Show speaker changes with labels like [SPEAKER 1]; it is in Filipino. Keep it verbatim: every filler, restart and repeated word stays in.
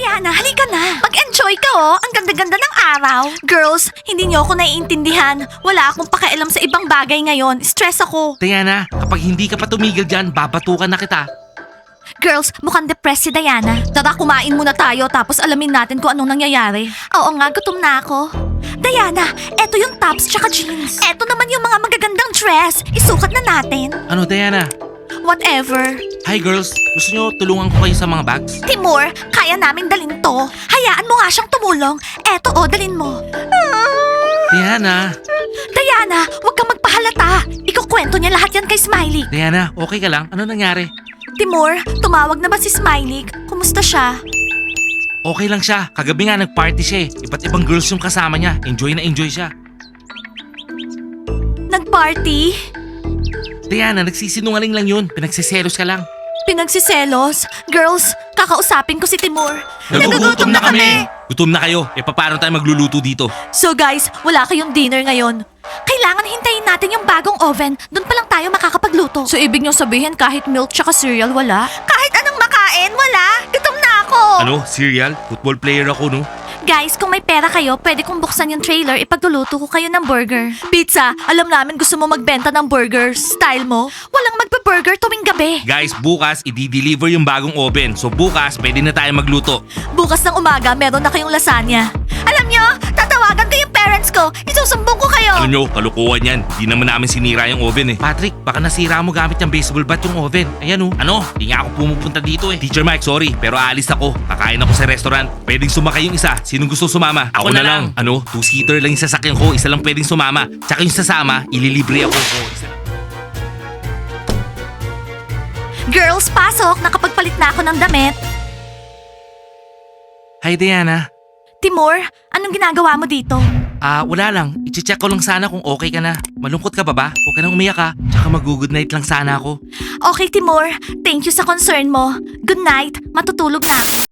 [SPEAKER 1] Diana, halika na. Mag-enjoy ka oh. Ang ganda-ganda ng araw. Girls, hindi niyo ako naiintindihan. Wala akong pakialam sa ibang bagay ngayon. Stress ako.
[SPEAKER 2] Diana, kapag hindi ka pa tumigil dyan, babatukan na kita.
[SPEAKER 1] Girls, mukhang depressed si Diana. Tara, kumain muna tayo tapos alamin natin kung anong nangyayari. Oo nga, gutom na ako. Diana, eto yung tops tsaka jeans. Eto naman yung mga magagandang dress. Isukat na natin.
[SPEAKER 2] Ano, Diana?
[SPEAKER 1] Whatever.
[SPEAKER 2] Hi girls, gusto nyo tulungan ko kayo sa mga bags?
[SPEAKER 1] Timur, kaya namin dalin to. Hayaan mo nga siyang tumulong. Eto o, dalin mo.
[SPEAKER 2] Diana,
[SPEAKER 1] Diana, huwag kang magpahalata. Ikukwento niya lahat yan kay Smiley.
[SPEAKER 2] Diana, okay ka lang? Ano nangyari?
[SPEAKER 1] Timur, tumawag na ba si Smiley? Kumusta siya?
[SPEAKER 2] Okay lang siya. Kagabi nga nag-party siya eh. Iba't ibang girls yung kasama niya. Enjoy na enjoy siya.
[SPEAKER 1] Nag-party?
[SPEAKER 2] Diana, nagsisinungaling lang yun. Pinagsiselos ka lang.
[SPEAKER 1] Pinagsiselos? Girls, kakausapin ko si Timur.
[SPEAKER 2] Nagugutom na kami! Gutom na kayo. E paano tayo magluluto dito?
[SPEAKER 1] So guys, wala kayong dinner ngayon. Kailangan hintayin natin yung bagong oven. Doon pa lang tayo makakapagluto. So ibig nyo sabihin kahit milk tsaka cereal wala? Kahit anong makain, wala. Gutom na ako.
[SPEAKER 2] Ano? Cereal? Football player ako, no?
[SPEAKER 1] Guys, kung may pera kayo, pwede kong buksan yung trailer, ipagluluto ko kayo ng burger. Pizza, alam namin gusto mo magbenta ng burgers. Style mo? Walang magbe-burger tuwing gabi.
[SPEAKER 2] Guys, bukas, i-deliver yung bagong oven. So bukas, pwede na tayo magluto.
[SPEAKER 1] Bukas ng umaga, meron na kayong lasagna. Alam nyo, tatawagan ko yung parents ko. Isusumbong ko kayo.
[SPEAKER 2] Ano nyo, kalukuhan yan. Di naman namin sinira yung oven eh. Patrick, baka nasira mo gamit yung baseball bat yung oven. Ayan oh. Ano? Di nga ako pumupunta dito eh. Teacher Mike, sorry, pero aalis ako. Kakain ako sa restaurant. Pwedeng sumakay yung isa. Sinong gusto sumama? Ako, na, lang. Ano? Two-seater lang yung sasakyan ko. Isa lang pwedeng sumama. Tsaka yung sasama, ililibre ako. Oh, isa.
[SPEAKER 1] Girls, pasok. Nakapagpalit na ako ng damit.
[SPEAKER 2] Hi Diana.
[SPEAKER 1] Timur, anong ginagawa mo dito?
[SPEAKER 2] Ah, wala lang. I-check ko lang sana kung okay ka na. Malungkot ka ba ba? Huwag ka nang umiyak ka. Tsaka mag-good night lang sana ako.
[SPEAKER 1] Okay, Timur. Thank you sa concern mo. Good night. Matutulog na ako.